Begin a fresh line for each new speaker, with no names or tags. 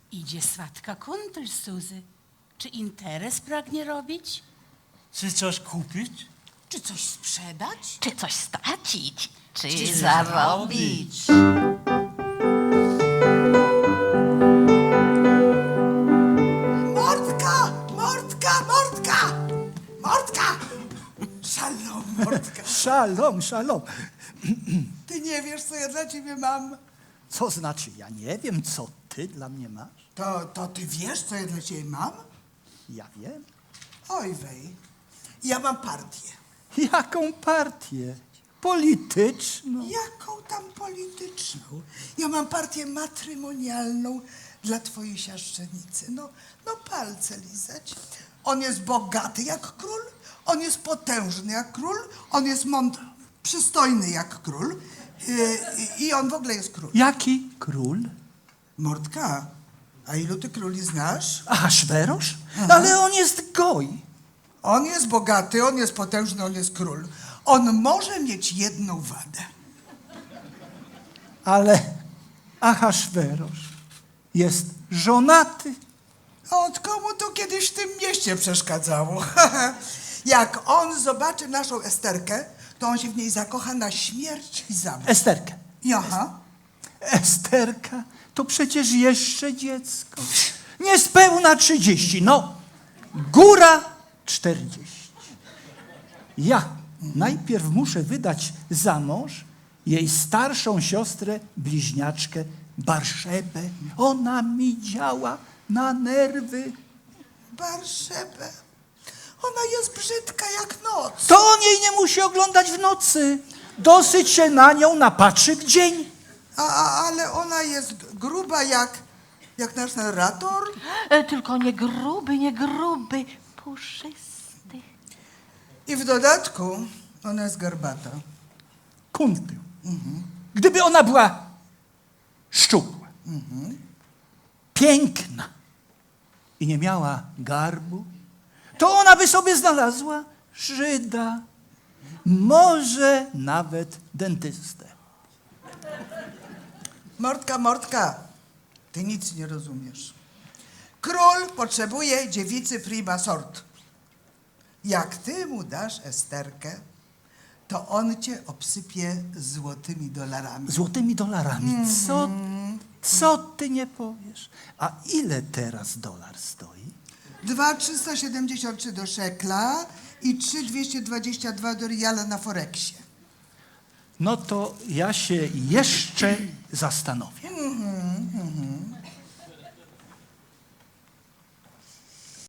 Idzie swatka kundel, Suzy. Czy interes pragnie robić?
Czy coś kupić?
Czy coś sprzedać?
Czy coś stracić? Czy
zarobić?
Mordka! Mordka! Mordka! Mordka! Szalom, Mordka.
Szalom, szalom.
Ty nie wiesz, co ja dla ciebie mam?
Co znaczy, ja nie wiem, co ty dla mnie masz?
To ty wiesz, co ja dla ciebie mam?
Ja wiem.
Oj wej, ja mam partię.
Jaką partię? Polityczną.
Jaką tam polityczną? Ja mam partię matrymonialną dla twojej siaszczenicy. No palce lizać. On jest bogaty jak król, on jest potężny jak król, on jest przystojny jak król i on w ogóle jest król.
Jaki król?
Mordka, a ilu ty króli znasz?
Ahaswerosz? Ale on jest goj.
On jest bogaty, on jest potężny, on jest król. On może mieć jedną wadę.
Ale Ahaswerosz jest żonaty.
Od komu to kiedyś w tym mieście przeszkadzało? Jak on zobaczy naszą Esterkę, to on się w niej zakocha na śmierć i zabić.
Esterkę.
Jaha.
Esterka to przecież jeszcze dziecko. Niespełna 30, no góra 40. Ja najpierw muszę wydać za mąż jej starszą siostrę, bliźniaczkę Barszebę. Ona mi działa na nerwy.
Barszebę. Ona jest brzydka jak noc.
To on jej nie musi oglądać w nocy. Dosyć się na nią napatrzy w dzień.
Ale ona jest gruba jak nasz narrator.
Tylko nie gruby, puszysty.
I w dodatku ona jest garbata.
Kuntył. Gdyby ona była szczupła, piękna i nie miała garbu, to ona by sobie znalazła Żyda, może nawet dentystę.
Mordka, ty nic nie rozumiesz. Król potrzebuje dziewicy prima sort. Jak ty mu dasz Esterkę, to on cię obsypie złotymi dolarami.
Złotymi dolarami. Co ty nie powiesz? A ile teraz dolar stoi?
2,373 do szekla i 3,222 do riala na Forexie.
No to ja się jeszcze zastanowię.